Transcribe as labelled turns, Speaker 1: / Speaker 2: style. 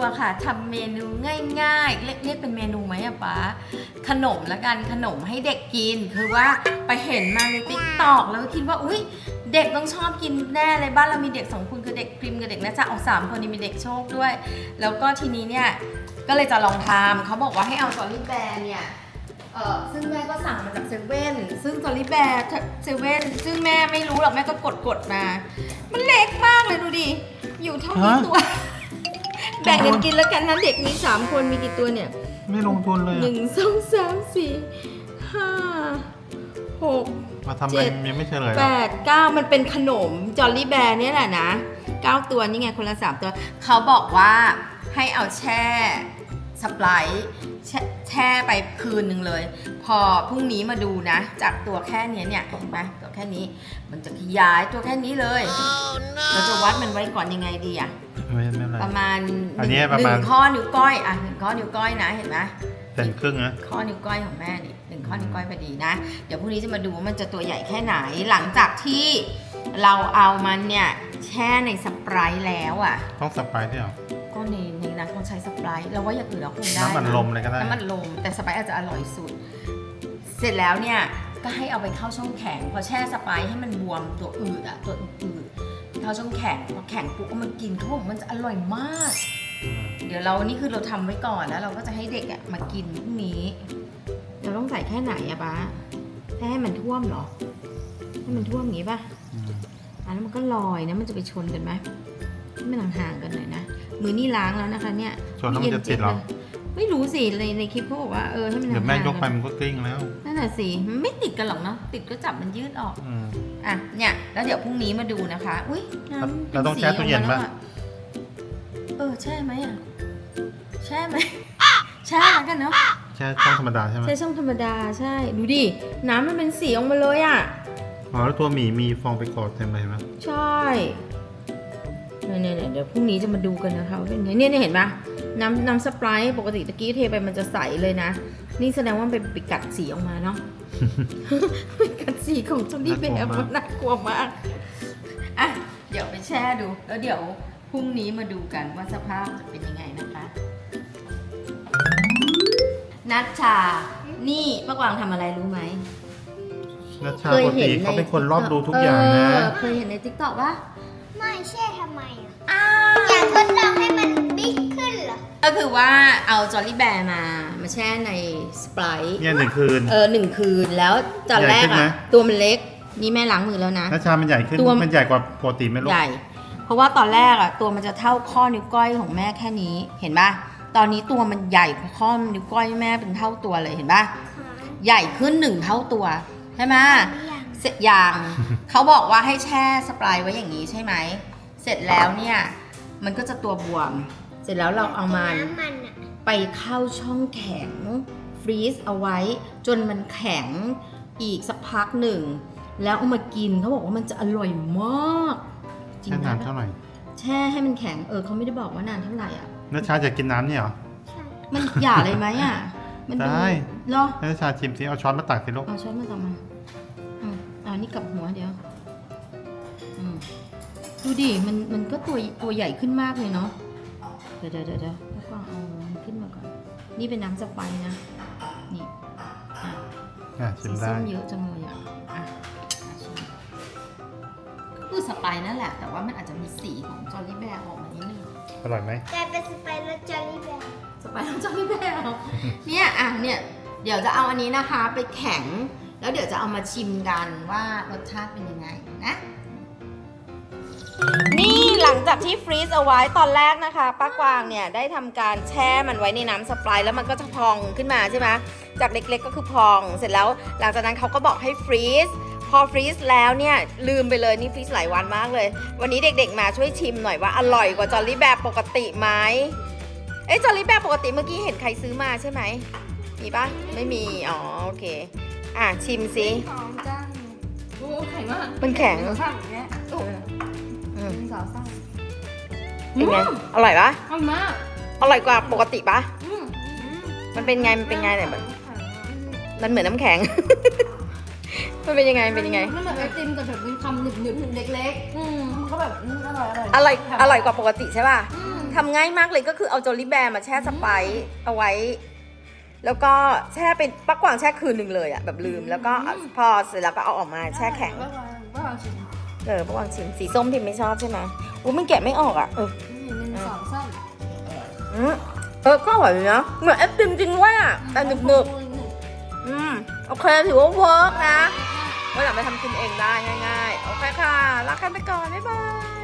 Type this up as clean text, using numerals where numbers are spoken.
Speaker 1: ค่ะทำเมนูง่ายๆเรียกเป็นเมนูไหมอะป๊าขนมละกันขนมให้เด็กกินคือว่าไปเห็นมาในติ๊กต็อกแล้วก็คิดว่าอุ๊ยเด็กต้องชอบกินแน่เลยบ้านเรามีเด็ก2 คนคือเด็กพริมกับเด็กน่าจะเอา3 คนนี้มีเด็กโชคด้วยแล้วก็ทีนี้เนี่ยก็เลยจะลองทำเขาบอกว่าให้เอาจอลลี่แบร์เนี่ยซึ่งแม่ก็สั่งมาจากเซเว่นซึ่งจอลลี่แบร์เซเว่นซึ่งแม่ไม่รู้หรอกแม่ก็กดมามันเล็กมากเลยดูดิอยู่เท่านี้ตัวแบ่งกันกินแล้วกันนะเด็กมี3 คนมีกี่ตัวเนี่ย
Speaker 2: ไม่ลงทุนเลย
Speaker 1: 1 2 3 4 5 6
Speaker 2: มาทำเป็นยังไม่เฉลย
Speaker 1: 8 9มันเป็นขนมจอลลี่แบร์เนี่ยแหละนะ9 ตัวนี่ไงคนละ3 ตัวเขาบอกว่าให้เอาแช่สไปร์แช่ไปคืนหนึ่งเลยพอพรุ่งนี้มาดูนะจากตัวแค่นี้เนี่ยเห็นไหมตัวแค่นี้มันจะขยายตัวแค่นี้เลยเราจะวัดมันไว้ก่อนยังไงดีอะประมาณ1 ข้อนิ้วก้อยอะ1 ข้อนิ้วก้อยนะเห็นไหม
Speaker 2: เป็นครึ่งนะ
Speaker 1: ข้อนิ้วก้อยของแม่นี่1 ข้อนิ้วก้อยพอดีนะเดี๋ยวพรุ่งนี้จะมาดูว่ามันจะตัวใหญ่แค่ไหนหลังจากที่เราเอามันเนี่ยแช่ในสไปร์แล้วอะ
Speaker 2: ต้องสไปร์ด้วยเหรอ
Speaker 1: ก็ในนั้นคงใช้สไปร์เราว่าอย่างอื่นเราคงได้
Speaker 2: น้ำมันลมเลยก็ได้
Speaker 1: น้ำมันลมแต่สไปร์อาจจะอร่อยสุดเสร็จแล้วเนี่ยก็ให้เอาไปเข้าช่องแข็งพอแช่สไปร์ให้มันบวมตัวอืดอะตัวอืดเข้าช่องแข็งพอแข็งปุ๊บก็มากินเขาบอกมันจะอร่อยมากเดี๋ยวเรานี่คือเราทำไว้ก่อนแล้วเราก็จะให้เด็กอะมากินพรุ่งนี้เราต้องใส่แค่ไหนอะป๊าแค่ให้มันท่วมเหรอให้มันท่วมอย่างงี้ป่ะแล้วมันก็ลอยนะมันจะไปชนกันไหมให้มันห่างๆกันหน่อยนะมือนี่ล้างแล้วนะคะเนี่ย
Speaker 2: ชนแล้วมันจะติดหรอ
Speaker 1: ไม่รู้สิในคลิปเขาบอกว่าให้มันห่างๆ
Speaker 2: เดี๋ยวแม่ยกไปมันก็กลิ้งแล้ว
Speaker 1: นั่นแหละสิมันไม่ติดกันหรอกเนาะติดก็จับมันยืดออกอ่ะเนี่ยแล้วเดี๋ยวพรุ่งนี้มาดูนะคะอุ้ยน้ำ
Speaker 2: เราต้องแช่ตู้เย็นป่ะ
Speaker 1: แช่ไหมอ่ะแช่ไหมแช่แล้วกันเนาะ
Speaker 2: แช่ช่องธรรมดาใช่ไหม
Speaker 1: แช่ช่องธรรมดาใช่ดูดิน้ำมันเป็นสีออกมาเลยอ่ะ
Speaker 2: อ๋อแล้วตัวหมีมีฟองไปกอดเต็มเลยไหม
Speaker 1: ใช่เนี่ยเดี๋ยวพรุ่งนี้จะมาดูกันนะคะว่าเป็นไงเนี่ยเห็นปะน้ำสไปร์ปกติตะกี้เทไปมันจะใสเลยนะนี่แสดงว่าเป็นไปกัดสีออกมาเนาะเป็นกัดสีของจอลลี่แบร์มันน่ากลัวมากอ่ะเดี๋ยวไปแช่ดูแล้วเดี๋ยวพรุ่งนี้มาดูกันว่าสภาพจะเป็นยังไงนะคะนัชชานี่ป้ากวางทำอะไรรู้ไหม
Speaker 2: นัชชาปกติเขาเป็นคนรอบดูทุกอย่างนะ
Speaker 1: เคยเห็นในติ๊กต็อกปะ
Speaker 3: ไม่แช่ทำไมอยากทดลองให้มันบิ๊กขึ้นเหรอ
Speaker 1: ก็คือว่าเอาจอลลี่แบร์มาแช่ในสไปร์
Speaker 2: เนี่ย1 คืน
Speaker 1: 1 คืนแล้วตอนแรกอะตัวมันเล็กนี่แม่ล้างมือแล้วนะ
Speaker 2: นัชชามันใหญ่ขึ้นมันใหญ่กว่าปกติไหมลูก
Speaker 1: ใหญ่เพราะว่าตอนแรกอะตัวมันจะเท่าข้อนิ้วก้อยของแม่แค่นี้เห็นปะตอนนี้ตัวมันใหญ่กว่าข้อนิ้วก้อยแม่เป็นเท่าตัวเลยเห็นปะใหญ่ขึ้น1 เท่าตัวใช่ไหมเสร็จอย่างเขาบอกว่าให้แช่สไปร์ไว้อย่างนี้ใช่ไหมเสร็จแล้วเนี่ยมันก็จะตัวบวมเสร็จแล้วเราเอามันไปเข้าช่องแข็งฟรีซเอาไว้จนมันแข็งอีกสักพักหนึ่งแล้วเอามากินเขาบอกว่ามันจะอร่อยมาก
Speaker 2: จริงนานเท่าไหร่
Speaker 1: แช่ให้มันแข็งเขาไม่ได้บอกว่านานเท่าไหร่อ่ะ
Speaker 2: นัชชาจะกินน้ำเนี่ยเหรอ
Speaker 1: มันหย่าเลยไหมอ่ะ
Speaker 2: มันได้
Speaker 1: เหรอ
Speaker 2: นัชชาชิมสิเอาช้อนมาตักสิลูก
Speaker 1: เอาช้อนมาตักมานี่กับหัวเดี๋ยวดูดิมันก็ตัวใหญ่ขึ้นมากเลยเนาะเดี๋ยวแล้วก็เอาขึ้นมาก่อนนี่เป็นน้ำสไปร์นะนี่
Speaker 2: ชิมได้
Speaker 1: ส้มเยอะจังเลยคือสไปร์นั่นแหละแต่ว่ามันอาจจะมีสีของจอลลี่แบร์ออกมานิดนึง
Speaker 2: อร่อยไหม
Speaker 3: กลายเป็นสไปร์แล้วจอลลี่แบร์
Speaker 1: สไปร์แล้วจอลลี่แบร์เนี่ยเดี๋ยวจะเอาอันนี้นะคะไปแข็งแล้วเดี๋ยวจะเอามาชิมกันว่ารสชาติเป็นยังไงนะนี่หลังจากที่ฟรีซเอาไว้ตอนแรกนะคะป้ากวางเนี่ยได้ทำการแช่มันไว้ในน้ำสไปร์แล้วมันก็จะพองขึ้นมาใช่ไหมจากเล็กๆก็คือพองเสร็จแล้วหลังจากนั้นเขาก็บอกให้ฟรีซพอฟรีซแล้วเนี่ยลืมไปเลยนี่ฟรีซหลายวันมากเลยวันนี้เด็กๆมาช่วยชิมหน่อยว่าอร่อยกว่าจอลลี่แบร์ปกติไหมจอลลี่แบร์ปกติเมื่อกี้เห็นใครซื้อมาใช่ไหมมีปะไม่มีอ๋อโอเคชิมสิ
Speaker 3: โอ้แข็งมาก
Speaker 1: มันแข็ง
Speaker 3: สาวซ่า
Speaker 1: เป็นไงอร่อยปะ
Speaker 3: อร่อยมาก
Speaker 1: อร่อยกว่าปกติปะมันเป็นไงเนี่ยมันเหมือนน้ำแข็งมันเป็นยังไง
Speaker 3: มันเหมือนไอติมแต่แบบมีความหนึบเล็กๆเขาแบบอร่อย
Speaker 1: กว่าปกติใช่ป่ะทำง่ายมากเลยก็คือเอาโจลี่แบร์มาแช่สไปซ์เอาไว้ แล้วก็แช่เป็นปักกวางแช่คืนหนึ่งเลยอะแบบลืมแล้วก็พอเสร็จแล้วก็เอาออกมาแช่แข็ง
Speaker 3: ป้าวางชิม
Speaker 1: ปักกวางชิมสีส้มพิมไม่ชอบใช่ไหมอุ้ยมันแกะไม่ออกอะ
Speaker 3: นี่1 2 3
Speaker 1: ก็อร่อยเลยนะเหมือนไอติมจริงด้วยอะแต่หนึบๆโอเคถือว่าเวิร์กนะวันหลังไปทำกินเองได้ง่ายๆโอเคค่ะลากันไปก่อนบ๊ายบาย